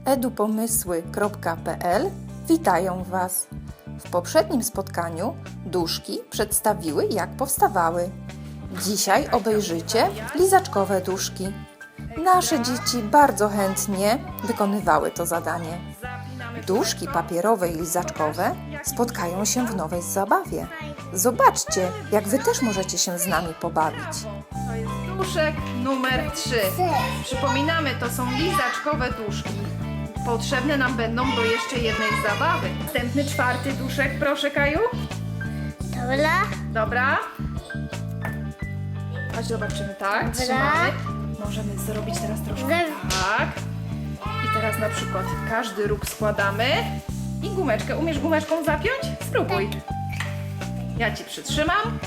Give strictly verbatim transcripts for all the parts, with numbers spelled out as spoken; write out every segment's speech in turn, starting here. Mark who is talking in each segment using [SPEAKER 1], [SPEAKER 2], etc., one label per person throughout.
[SPEAKER 1] edupomysły kropka p l witają Was. W poprzednim spotkaniu duszki przedstawiły, jak powstawały. Dzisiaj obejrzycie lizaczkowe duszki. Nasze dzieci bardzo chętnie wykonywały to zadanie. Duszki papierowe i lizaczkowe spotkają się w nowej zabawie. Zobaczcie, jak Wy też możecie się z nami pobawić.
[SPEAKER 2] To jest duszek numer trzy. Przypominamy, to są lizaczkowe duszki. Potrzebne nam będą do jeszcze jednej zabawy. Następny, czwarty duszek, proszę, Kaju.
[SPEAKER 3] Dobra.
[SPEAKER 2] Dobra. Chodź, zobaczymy, tak?
[SPEAKER 3] Dobra.
[SPEAKER 2] Trzymamy. Możemy zrobić teraz troszkę tak. I teraz na przykład każdy róg składamy. I gumeczkę. Umiesz gumeczką zapiąć? Spróbuj. Ja Ci przytrzymam.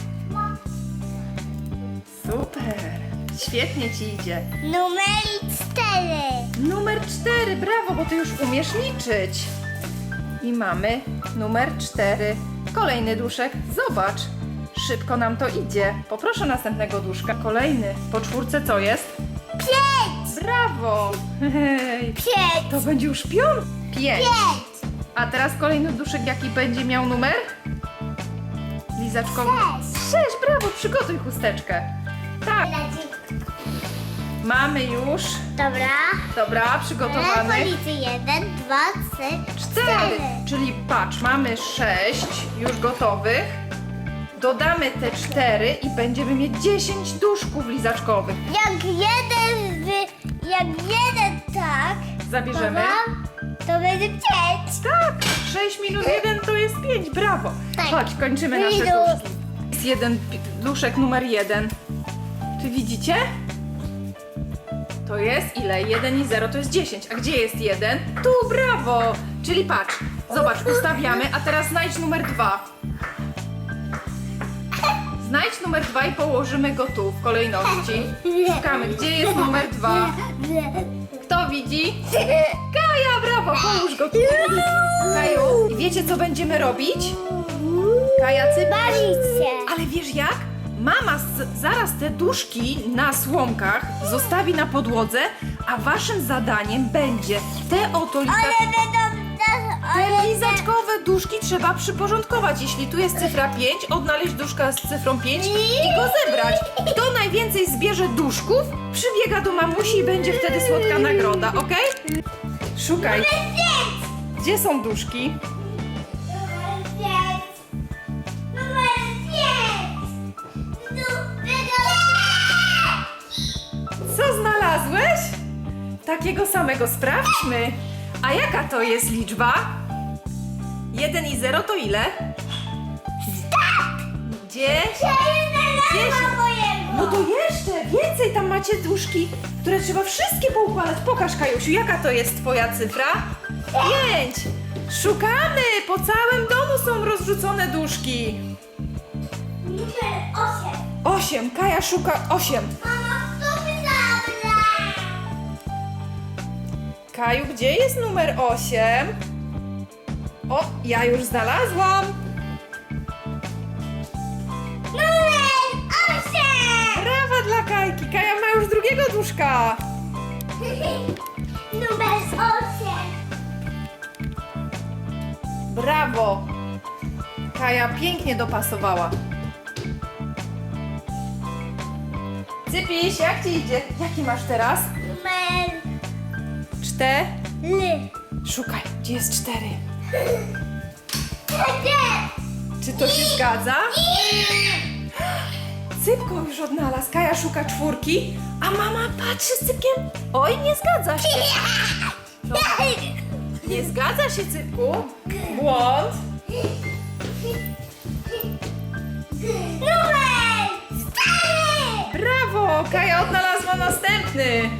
[SPEAKER 2] Super. Świetnie Ci idzie.
[SPEAKER 3] Numer cztery.
[SPEAKER 2] Numer cztery, brawo, bo Ty już umiesz liczyć. I mamy numer cztery. Kolejny duszek, zobacz. Szybko nam to idzie. Poproszę następnego duszka. Kolejny. Po czwórce co jest?
[SPEAKER 3] Pięć.
[SPEAKER 2] Brawo. Hej.
[SPEAKER 3] Pięć.
[SPEAKER 2] To będzie już piąt. Pięć.
[SPEAKER 3] Pięć.
[SPEAKER 2] A teraz kolejny duszek, jaki będzie miał numer? Lizaczkowy.
[SPEAKER 3] Sześć.
[SPEAKER 2] Sześć, brawo, przygotuj chusteczkę. Tak, mamy już.
[SPEAKER 3] Dobra.
[SPEAKER 2] Dobra, przygotowany.
[SPEAKER 3] Policy jeden, dwa, trzy,
[SPEAKER 2] Cztery. Czyli patrz, mamy sześć już gotowych. Dodamy te cztery i będziemy mieć dziesięć duszków lizaczkowych.
[SPEAKER 3] Jak jeden, wy, jak jeden tak,
[SPEAKER 2] Zabierzemy.
[SPEAKER 3] to, to będzie pięć.
[SPEAKER 2] Tak, sześć minus jeden to jest pięć, brawo.
[SPEAKER 3] Tak.
[SPEAKER 2] Chodź, kończymy nasze
[SPEAKER 3] Idu.
[SPEAKER 2] duszki. Jest jeden pi- duszek numer jeden. Czy widzicie? To jest ile? jeden i zero to jest dziesięć. A gdzie jest jeden? Tu, brawo! Czyli patrz, zobacz, ustawiamy, a teraz znajdź numer dwa. Znajdź numer dwa i położymy go tu w kolejności. Szukamy, gdzie jest numer dwa. Kto widzi? Kaja, brawo, połóż go tu. Kaju, i wiecie co będziemy robić? Kaja, cypr.
[SPEAKER 3] Bawić się.
[SPEAKER 2] Ale wiesz jak? Mama z, zaraz te duszki na słomkach zostawi na podłodze, a waszym zadaniem będzie te oto liza...
[SPEAKER 3] Ale będą nas,
[SPEAKER 2] te lizaczkowe duszki trzeba przyporządkować. Jeśli tu jest cyfra pięć, odnaleźć duszka z cyfrą pięć i go zebrać. Kto najwięcej zbierze duszków, przybiega do mamusi i będzie wtedy słodka nagroda, ok? Szukaj. Gdzie są duszki?
[SPEAKER 3] Numer pięć. Numer pięć.
[SPEAKER 2] Co znalazłeś? Takiego samego sprawdźmy. A jaka to jest liczba? jeden i zero to ile? Dziesięć. No to jeszcze więcej, tam macie duszki, które trzeba wszystkie poukładać. Pokaż, Kajusiu, jaka to jest twoja cyfra? Pięć. Szukamy, po całym domu są rozrzucone duszki.
[SPEAKER 3] Numer osiem.
[SPEAKER 2] Osiem, Kaja szuka osiem.
[SPEAKER 3] Mama, kto mi zabrał?
[SPEAKER 2] Kaju, gdzie jest numer osiem? O, ja już znalazłam.
[SPEAKER 3] Numer osiem.
[SPEAKER 2] Brawa dla Kajki. Kaja ma już drugiego duszka.
[SPEAKER 3] Numer osiem.
[SPEAKER 2] Brawo. Kaja pięknie dopasowała. Cypiś, jak ci idzie? Jaki masz teraz?
[SPEAKER 3] Numer
[SPEAKER 2] Cztery.
[SPEAKER 3] L.
[SPEAKER 2] Szukaj, gdzie jest cztery?
[SPEAKER 3] Cztery.
[SPEAKER 2] Czy to się zgadza? Cypko już odnalazł. Kaja szuka czwórki, a mama patrzy z Cypkiem. Oj, nie zgadza się. No, nie zgadza się, Cypku. Błąd.
[SPEAKER 3] Numer cztery.
[SPEAKER 2] Brawo! Kaja odnalazła następny.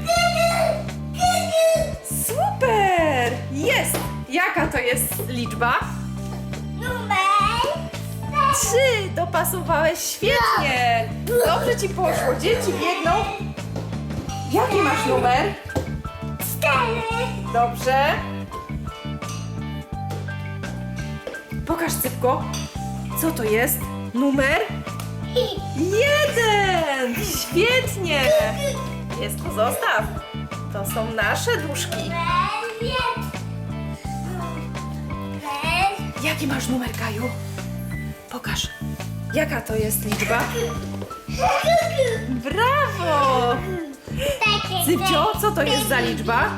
[SPEAKER 2] Super! Jest! Jaka to jest liczba?
[SPEAKER 3] Numer
[SPEAKER 2] Trzy! Dopasowałeś świetnie! Dobrze ci poszło. Dzieci biegną. Jaki masz numer?
[SPEAKER 3] cztery.
[SPEAKER 2] Dobrze. Pokaż, Cypko. Co to jest? Numer? Jeden! Świetnie! Jest, to zostaw. To są nasze duszki.
[SPEAKER 3] Numer
[SPEAKER 2] Jaki masz numer, Kaju? Pokaż. Jaka to jest liczba? Brawo! Cypcio, co to jest za liczba?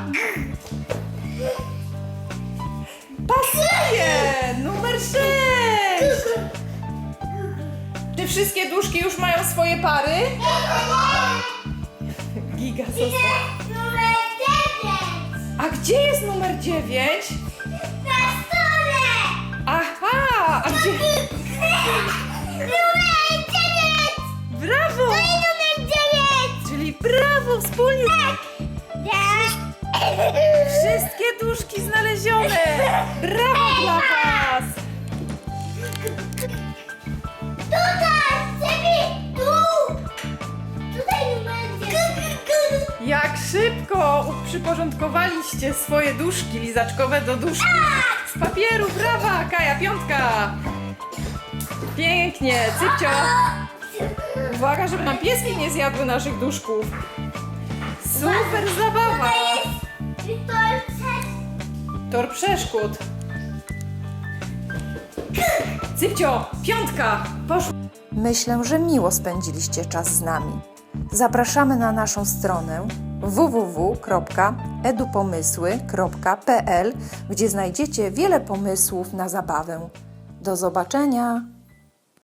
[SPEAKER 2] Pasuje! Numer sześć! Czy wszystkie duszki już mają swoje pary? Giga został.
[SPEAKER 3] Numer dziewięć.
[SPEAKER 2] A gdzie jest numer dziewięć?
[SPEAKER 3] Na stole.
[SPEAKER 2] Aha! A gdzie?
[SPEAKER 3] Numer dziewięć.
[SPEAKER 2] Brawo!
[SPEAKER 3] Numer dziewięć.
[SPEAKER 2] Czyli brawo, wspólnie!
[SPEAKER 3] Tak.
[SPEAKER 2] Wszystkie duszki znalezione! Brawo dla was!
[SPEAKER 3] Tutaj, Cepi, tu. Tutaj numer dziewięć.
[SPEAKER 2] Jak szybko przyporządkowaliście swoje duszki lizaczkowe do duszki z papieru. Brawa! Kaja, piątka! Pięknie! Cypcio! Uwaga, żeby nam pieski nie zjadły naszych duszków. Super zabawa!
[SPEAKER 3] To jest
[SPEAKER 2] Tor przeszkód. Cypcio, piątka! Poszło.
[SPEAKER 1] Myślę, że miło spędziliście czas z nami. Zapraszamy na naszą stronę w w w kropka edupomysły kropka p l, gdzie znajdziecie wiele pomysłów na zabawę. Do zobaczenia!